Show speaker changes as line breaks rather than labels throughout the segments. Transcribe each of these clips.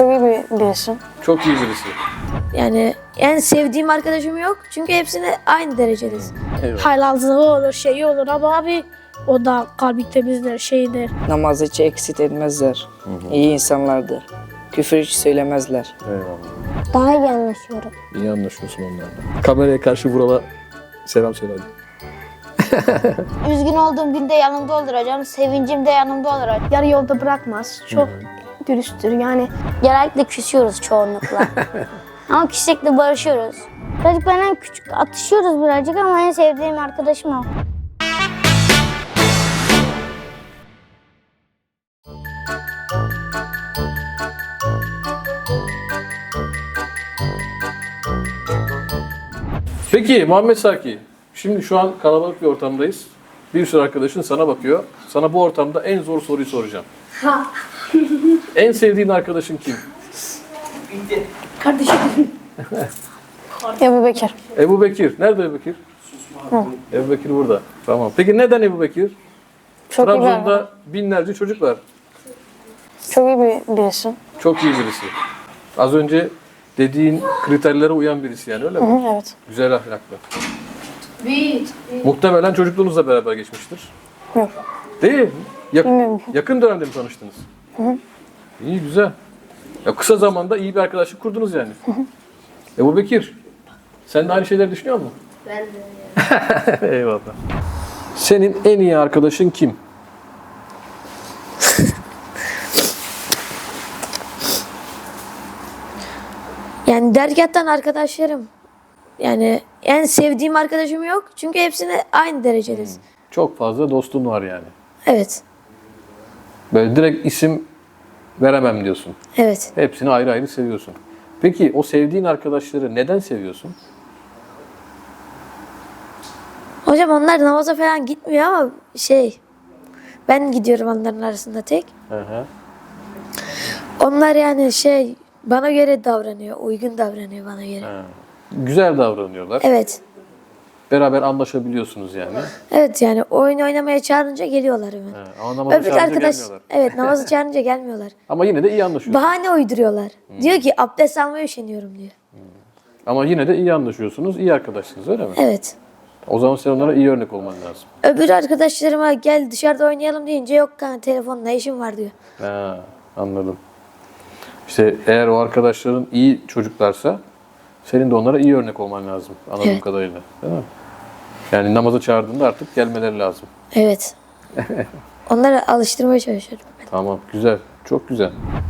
Çok iyi birisi.
Çok iyi birisi.
Yani en sevdiğim arkadaşım yok. Çünkü hepsine aynı derecedeyiz.
Eyvallah.
Haylazlığı olur, şeyi olur ama abi o da kalbi temizdir, şeydir.
Namazı hiç eksik etmezler. İyi insanlardır. Küfür hiç söylemezler.
Eyvallah.
Daha iyi anlaşıyorum.
İyi anlaşıyorsun onlarla. Kameraya karşı Vural'a selam söyle hadi.
Üzgün olduğum günde yanımda olur hocam. Sevincim de yanımda olur hocam.
Yarı yolda bırakmaz. Çok dürüsttür yani.
Genellikle küsüyoruz çoğunlukla. Ama küssek de barışıyoruz. Birazcık benden küçük atışıyoruz birazcık ama en sevdiğim arkadaşım o.
Peki Muhammed Saki, şimdi şu an kalabalık bir ortamdayız. Bir sürü arkadaşın sana bakıyor. Sana bu ortamda en zor soruyu soracağım. En sevdiğin arkadaşın kim?
Ebu Bekir.
Ebu Bekir. Nerede Ebu Bekir? Ebu Bekir burada. Tamam. Peki neden Ebu Bekir?
Çok iyi
Trabzon'da binlerce çocuk var.
Çok iyi birisi.
Çok iyi birisi. Az önce dediğin kriterlere uyan birisi yani öyle mi?
Evet.
Güzel ahlaklı. Muhtemelen çocukluğunuzla beraber geçmiştir.
Yok.
Değil.
Bilmiyorum.
Yakın dönemde mi tanıştınız? İyi, güzel. Ya kısa zamanda iyi bir arkadaşlık kurdunuz yani. Ebu Bekir, sen de aynı şeyleri düşünüyor musun? Ben de. Eyvallah. Senin en iyi arkadaşın kim?
Yani dergâhtan arkadaşlarım. Yani en sevdiğim arkadaşım yok. Çünkü hepsine aynı derecedeyiz.
Çok fazla dostun var yani.
Evet.
Böyle direkt isim veremem diyorsun.
Evet.
Hepsini ayrı ayrı seviyorsun. Peki o sevdiğin arkadaşları neden seviyorsun?
Hocam onlar namaza falan gitmiyor ama ben gidiyorum onların arasında tek.
Hı hı.
Onlar yani bana göre davranıyor. Uygun davranıyor bana göre.
Ha. Güzel davranıyorlar.
Evet.
Beraber anlaşabiliyorsunuz yani.
Evet yani oyun oynamaya çağırınca geliyorlar hemen.
Ha, ama namaza
Öbür
çağırınca
arkadaş
gelmiyorlar.
evet namazı çağırınca gelmiyorlar.
Ama yine de iyi anlaşıyorsunuz.
Bahane uyduruyorlar. Diyor ki abdest almaya üşeniyorum diyor.
Ama yine de iyi anlaşıyorsunuz, iyi arkadaşsınız öyle mi?
Evet.
O zaman sen onlara iyi örnek olman lazım.
Öbür arkadaşlarıma gel dışarıda oynayalım deyince yok kanka telefonla işim var diyor.
Ha, anladım. İşte eğer o arkadaşların iyi çocuklarsa senin de onlara iyi örnek olman lazım anladığım
Evet.
kadarıyla. Değil mi? Yani namaza çağırdığında artık gelmeleri lazım.
Evet. Onları alıştırmaya çalışıyorum.
Tamam, güzel. Çok güzel.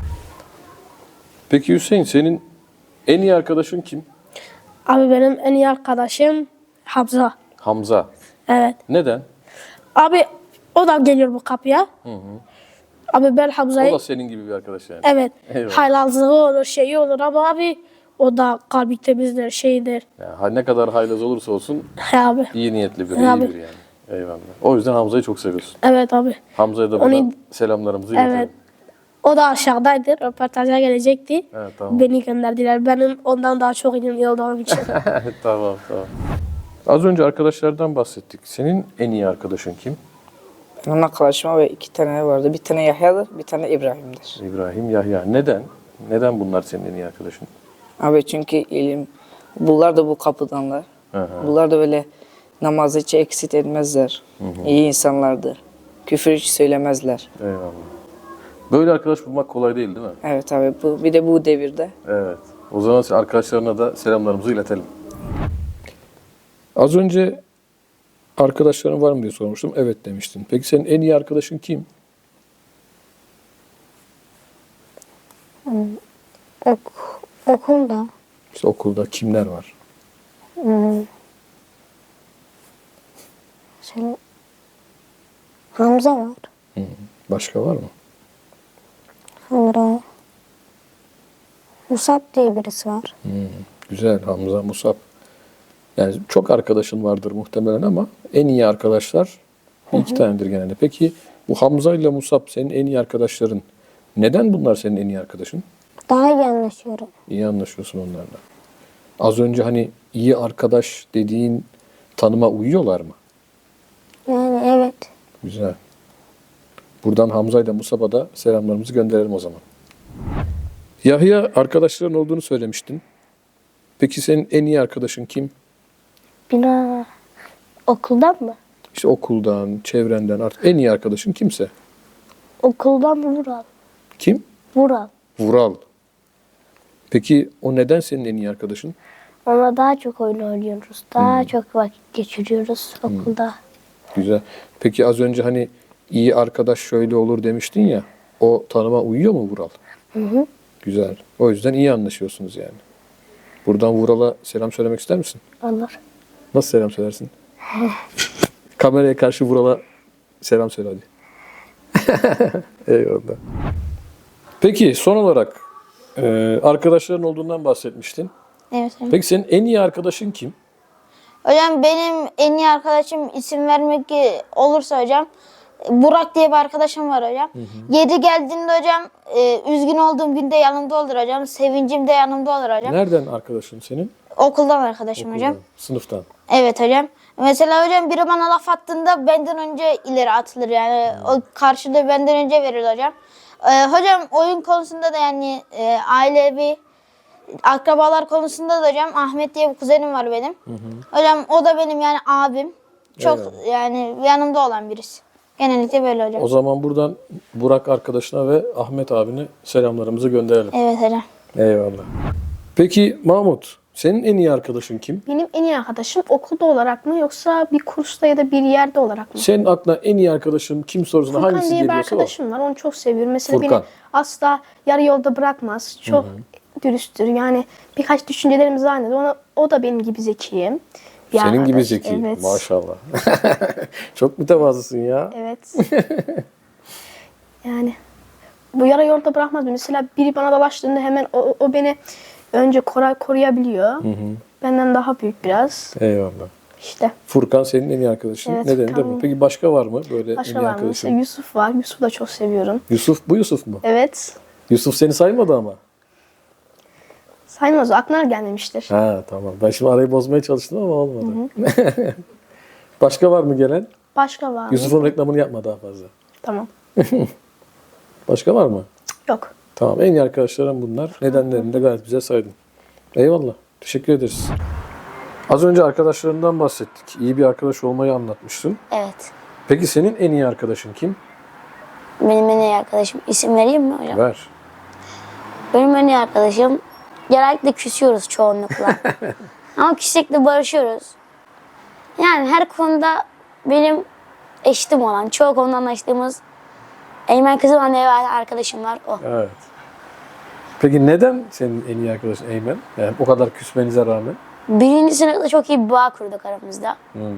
Peki Hüseyin, senin en iyi arkadaşın kim?
Abi benim en iyi arkadaşım Hamza.
Hamza.
Evet.
Neden?
Abi o da geliyor bu kapıya. Abi ben
O
Hamza'yı
da senin gibi bir arkadaş yani.
evet
Eyvallah.
haylazlığı olur, şeyi olur ama abi o da kalbi temizdir, şeydir.
Yani ne kadar haylaz olursa olsun
He abi.
iyi niyetli biri,
Abi.
iyi biri yani. Eyvallah. O yüzden Hamza'yı çok seviyorsun.
Evet abi.
Hamza'ya da
Onu-
buradan selamlarımızı iletelim.
Evet. O da aşağıdaydı. Röportaja gelecekti.
Evet, tamam.
Beni gönderdiler. Benim ondan daha çok iyi olduğum için.
Tamam, tamam. Az önce arkadaşlardan bahsettik. Senin en iyi arkadaşın kim?
Benim arkadaşıma ve 2 tane vardı. Bir tane Yahya'dır, bir tane İbrahim'dir.
İbrahim, Yahya. Neden? Neden bunlar senin en iyi arkadaşın?
Abi çünkü ilim, bunlar da bu kapıdanlar.
Hı hı.
Bunlar da böyle namazı hiç eksik etmezler. İyi insanlardır. Küfür hiç söylemezler.
Eyvallah. Böyle arkadaş bulmak kolay değil değil mi?
Evet abi, bir de bu devirde.
Evet. O zaman arkadaşlarına da selamlarımızı iletelim. Az önce arkadaşların var mı diye sormuştum. Evet demiştin. Peki senin en iyi arkadaşın kim?
Okulda.
İşte okulda kimler var?
Hamza var.
Başka var mı?
Sonra Musab diye birisi var.
Güzel. Hamza, Musab. Yani çok arkadaşın vardır muhtemelen ama en iyi arkadaşlar iki tanedir genelde. Peki bu Hamza ile Musab senin en iyi arkadaşların. Neden bunlar senin en iyi arkadaşın?
Daha iyi anlaşıyorum.
İyi anlaşıyorsun onlarla. Az önce hani iyi arkadaş dediğin tanıma uyuyorlar mı?
Yani evet.
Güzel. Buradan Hamza ile Musab'a da selamlarımızı gönderelim o zaman. Yahya arkadaşların olduğunu söylemiştin. Peki senin en iyi arkadaşın kim?
Bina okuldan mı?
İşte okuldan, çevrenden artık en iyi arkadaşın kimse.
Okuldan mı Vural?
Kim?
Vural.
Vural. Peki o neden senin en iyi arkadaşın?
Onunla daha çok oyun oynuyoruz. Daha çok vakit geçiriyoruz okulda.
Güzel. Peki az önce hani iyi arkadaş şöyle olur demiştin ya. O tanıma uyuyor mu Vural?
Hı.
Güzel. O yüzden iyi anlaşıyorsunuz yani. Buradan Vural'a selam söylemek ister misin?
Olur.
Nasıl selam söylersin? Kameraya karşı Vural'a selam söyle hadi. Eyvallah. Peki son olarak arkadaşların olduğundan bahsetmiştin.
Evet hocam.
Peki senin en iyi arkadaşın kim?
Hocam benim en iyi arkadaşım isim vermek olursa hocam Burak diye bir arkadaşım var hocam. Yeri geldiğinde hocam üzgün olduğum günde yanımda olur hocam. Sevincim de yanımda olur hocam.
Nereden arkadaşın senin?
Okuldan arkadaşım hocam.
Okuldan, sınıftan.
Evet hocam. Mesela hocam biri bana laf attığında benden önce ileri atılır yani. O karşılığı benden önce verir hocam. Hocam oyun konusunda da yani ailevi akrabalar konusunda da hocam Ahmet diye bir kuzenim var benim. Hocam o da benim yani abim. Çok yani yanımda olan birisi. Genellikle böyle hocam.
O zaman buradan Burak arkadaşına ve Ahmet abine selamlarımızı gönderelim.
Evet hocam.
Eyvallah. Peki Mahmut, senin en iyi arkadaşın kim?
Benim en iyi arkadaşım okulda olarak mı yoksa bir kursta ya da bir yerde olarak mı?
Senin aklına en iyi arkadaşın kim sorusuna
Furkan
hangisi
diye bir
geliyorsa o.
arkadaşım var. Onu çok seviyorum. Mesela
Furkan.
beni asla yarı yolda bırakmaz. Çok dürüsttür. Yani birkaç düşüncelerimiz aynıdır. O da benim gibi zekiyim. Bir
Senin gibi
arkadaş.
zeki.
Evet.
Maşallah. Çok mütevazısın ya.
Evet. Yani bu yarı yolda bırakmaz. Mesela biri bana dalaştığında hemen o beni önce koruyabiliyor. Benden daha büyük biraz.
Eyvallah.
İşte.
Furkan senin en iyi arkadaşın.
Evet,
Nedeni de
Furkan.
bu. Peki başka var mı böyle en
Başka
iyi
var mı?
arkadaşın?
Mesela Yusuf var. Yusuf'u da çok seviyorum.
Yusuf, bu Yusuf mu?
Evet.
Yusuf seni saymadı ama.
Saymaz. Aklına gelmemiştir.
Ha tamam. Ben şimdi arayı bozmaya çalıştım ama olmadı. Başka var mı gelen?
Başka var mı?
Yusuf'un reklamını yapma daha fazla.
Tamam.
Başka var mı?
Yok.
Tamam. En iyi arkadaşlarım bunlar. Nedenlerini de gayet güzel saydın. Eyvallah. Teşekkür ederiz. Az önce arkadaşlarından bahsettik. İyi bir arkadaş olmayı anlatmışsın.
Evet.
Peki senin en iyi arkadaşın kim?
Benim en iyi arkadaşım. İsim vereyim mi hocam?
Ver.
Benim en iyi arkadaşım genellikle küsüyoruz çoğunlukla. Ama küssek de barışıyoruz. Yani her konuda benim eşitim olan, çoğu konuda anlaştığımız Eymen Kızıman diye bir arkadaşım var. O.
Evet. Peki neden senin en iyi arkadaşın Eymen? Yani o kadar küsmenize rağmen.
Birinci sınıfta çok iyi bir bağ kurduk aramızda.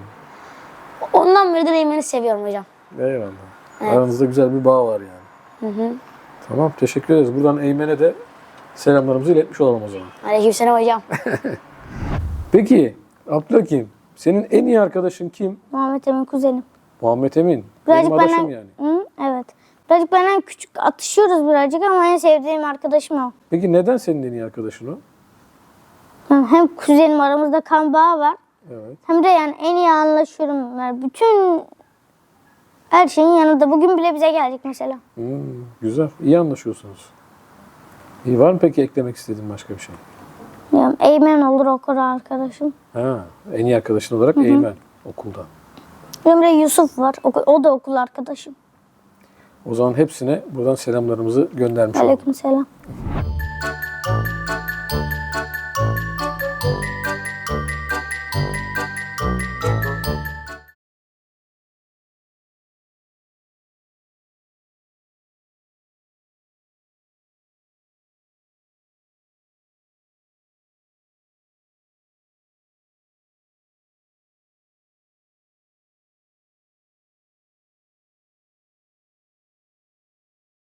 Ondan beridir Eymen'i seviyorum hocam.
Eyvallah. Aranızda güzel bir bağ var yani. Tamam. Teşekkür ederiz. Buradan Eymen'e de selamlarımızı iletmiş olalım o zaman.
Aleykümselam hocam.
Peki Abdülhakim, senin en iyi arkadaşın kim?
Muhammed Emin kuzenim.
Muhammed Emin.
Birazcık
Benim adaşım
benden,
yani.
Hı, evet. Birazcık benden küçük atışıyoruz birazcık ama en sevdiğim arkadaşım o.
Peki neden senin en iyi arkadaşın o?
Hem kuzenim aramızda kan bağı var.
Evet.
Hem de yani en iyi anlaşıyorum. Yani bütün her şeyin yanında. Bugün bile bize geldik mesela.
Güzel. İyi anlaşıyorsunuz. İyi, var mı peki eklemek istediğin başka bir şey?
Yani Eymen olur okul arkadaşım.
Ha, en iyi arkadaşın olarak Eymen okulda.
Benim de Yusuf var. O da okul arkadaşım.
O zaman hepsine buradan selamlarımızı göndermiş olalım.
Aleykümselam.